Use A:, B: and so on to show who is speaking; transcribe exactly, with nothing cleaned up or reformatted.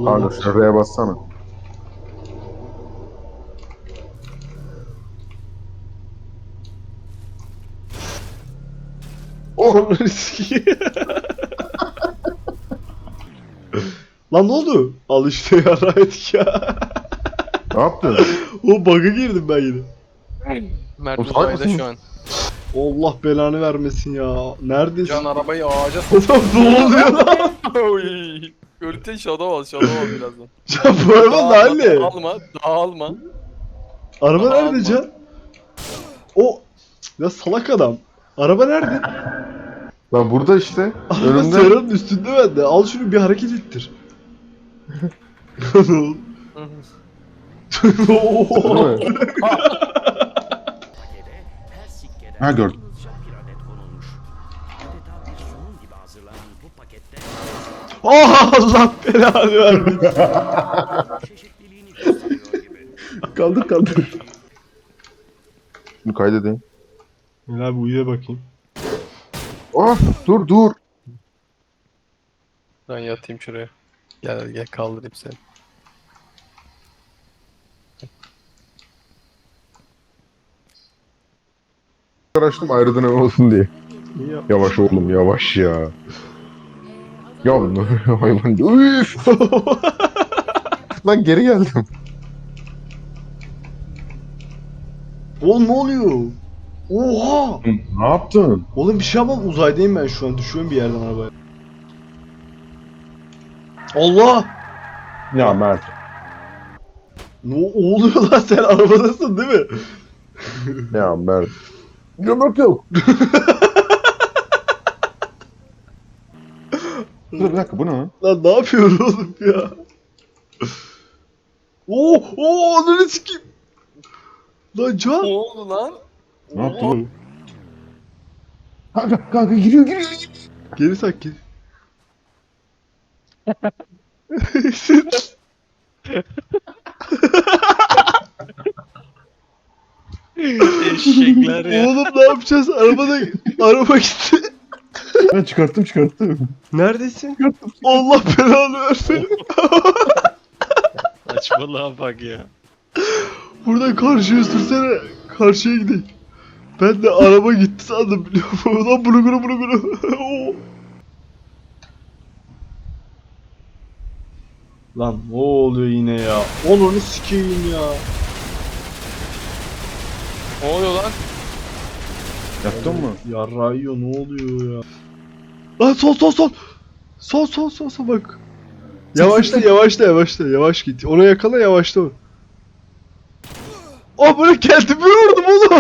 A: Kanka şuraya bassana.
B: Oh riski. Lan ne oldu? Al işte yarraydık ya.
A: Ne yaptın?
B: O bug'a girdim ben yine.
C: Mert
A: O salak
C: uzayda
A: mısın?
C: şu an.
B: Allah belanı vermesin ya. Neredesin?
C: Can arabayı ağaca
B: Oğlum ne oluyor lan?
C: Oy. Gökten shadow al, shadow al birazdan.
B: Can bu araba
C: Dağılma,
B: nerede?
C: dağılma, dağılma.
B: Araba
C: Daha
B: nerede
C: alma.
B: Can? O ya salak adam. Araba nerede?
A: Lan burada işte.
B: Araba
A: Önümde.
B: Serhan'ın üstünde bende. Al şunu bir hareket ettir.
A: Değil mi? Ha gördüm.
B: Oh, Allah belanı vermesin.
A: Kaldır kaldır. Bunu kaydedeyim.
B: Gel abi uyuya bakayım.
A: Ah dur dur.
C: Ben yatayım şuraya. Gel gel kaldırayım seni.
A: Açtım ayrı dönem olsun diye.
B: İyi yap.
A: Yavaş oğlum yavaş ya. Ya ne hayvan. Üf. Lan geri geldim.
B: Oğlum ne oluyor? Oha!
A: Ne yaptın?
B: Oğlum bir şey yapmam, uzaydayım ben şu an. Düşüyorum bir yerden arabaya. Allah!
A: Ya Mert.
B: Ne oluyor lan, sen arabadasın değil mi?
A: Ya Mert. Gömrük yok. Dur bir dakika bu ne lan?
B: Lan ne yapıyorsun oğlum ya? Oo, oo, ananı sikeyim. Lan
C: Ne
B: Can.
C: oldu lan?
A: Ne yaptı bu? Kanka kanka giriyor giriyor. giriyor.
B: Geri sak geri.
C: Eşekler ya.
B: Oğlum ne yapacağız? Arabada araba gitti.
A: Ben çıkarttım çıkarttım.
B: Neredesin? Allah belanı versin.
C: Saçmalığa bak ya.
B: Buradan karşıya sürsene. Karşıya gidelim. Ben de araba gitti sandım, biliyor musun? Lan bunu bunu bunu bunu. Lan ne oluyor yine ya? Onu sikeyim ya.
C: Ne oluyor lan?
A: Yaptın mı?
B: Yarrağı yiyor, ne oluyor ya? Lan sol sol sol. Sol sol sol sol bak. Yavaşla yavaşla yavaşla yavaş git. Oraya yakala, yavaşla. Oh, böyle kendimi vurdum oğlum.